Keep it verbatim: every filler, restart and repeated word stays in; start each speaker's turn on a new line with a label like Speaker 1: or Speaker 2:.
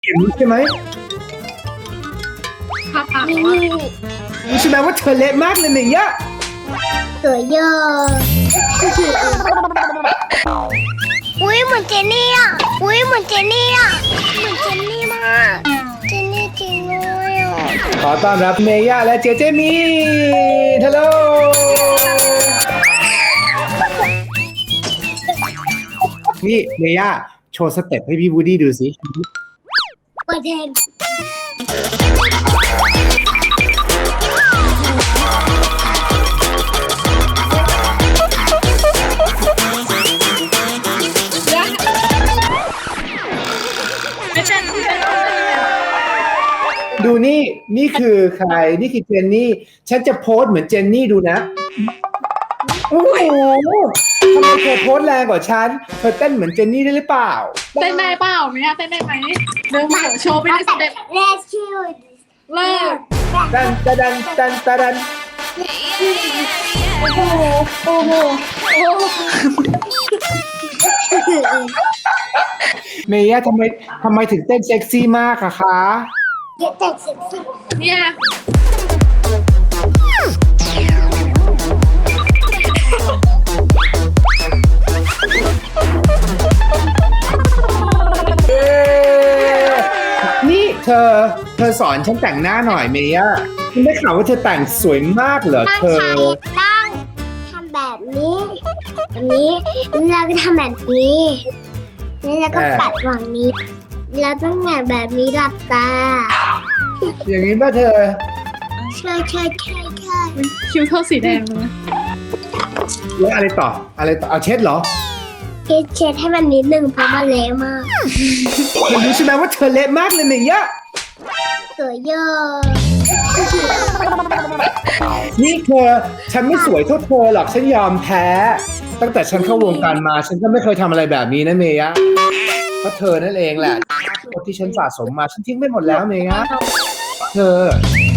Speaker 1: เห็นใช่ไหม
Speaker 2: ค่ะค่ะ
Speaker 3: นี่
Speaker 1: รู้ใช่ไหมว่าเธอเละมากเลยเมย่า
Speaker 3: สวยเยอะอุ้ยเหมือนเจนนี่อ่ะอุ้ยเหมือนเจนนี่อ่ะเหมือนเจนนี่มากเจนนี่จริงเลยอ่ะ
Speaker 1: ขอต้อนรับเมย่าและเจเจมีฮัลโหลนี่เมย่าโชว์สเต็ปให้พี่วูดดี้ดูสิ
Speaker 3: ประเทศ
Speaker 2: ไม่ใช่ไม่ใช่
Speaker 1: ดูนี่นี่คือใครนี่คือเจนนี่ฉันจะโพสเหมือนเจนนี่ดูนะโอ้โหทำไมเธอโพสแรงกว่าฉันเธอเต้นเหมือนเจนนี่ได้หรือเปล่า
Speaker 2: เต้นได้เปล่าเมียเต้นได้ไหมเริ่มเหรอโชว์ไปในสเต็ป
Speaker 3: เลสคิว
Speaker 2: เลิก
Speaker 1: ดันตะดันดันตะดัน
Speaker 2: โอ้โหโอ้โหโอ้โห
Speaker 1: เมย่าทำไมทำไมถึงเต้นเซ็กซี่มากอะคะ
Speaker 3: เก็บแต่เซ็กซี่
Speaker 2: เนี่ย
Speaker 1: เอ๊ะนี่เธอเธอสอนฉันแต่งหน้าหน่อยเมย่าฉันได้ข่าวว่าเธอแต่งสวยมากเหรอ
Speaker 3: ตั้ง
Speaker 1: เธอ
Speaker 3: ใจตั้งทำแบบนี้แบบนี้แล้วก็ทำแบบนี้แล้วก็ปัดฝั่งนี้ แล้วต้องแหงแบบนี้หลับตา
Speaker 1: อย่างนี้ป่ะเธอ
Speaker 3: ใช่ใช่ใช่ใช่
Speaker 2: คิ้วเท่าสีแดงเลย
Speaker 1: แล้วอะไรต่ออะไรต่อเอาเช็ดเหรอ
Speaker 3: เช็ดเช็ดให้มันนิดนึงเพราะมันเละมาก
Speaker 1: เธอรู้ใช่ไหมว่าเธอเละมากเลยเมย่า
Speaker 3: สวยเยอะ
Speaker 1: นี่เธอฉันไม่สวยเท่าเธอหรอกฉันยอมแพ้ ตั้งแต่ฉันเข้าวงการมาฉันก็ไม่เคยทำอะไรแบบนี้นะเมย่าเพราะเธอนั่นเองแหละที่ฉันสะสมมาฉันทิ้งไปหมดแล้วเมย่าเธอ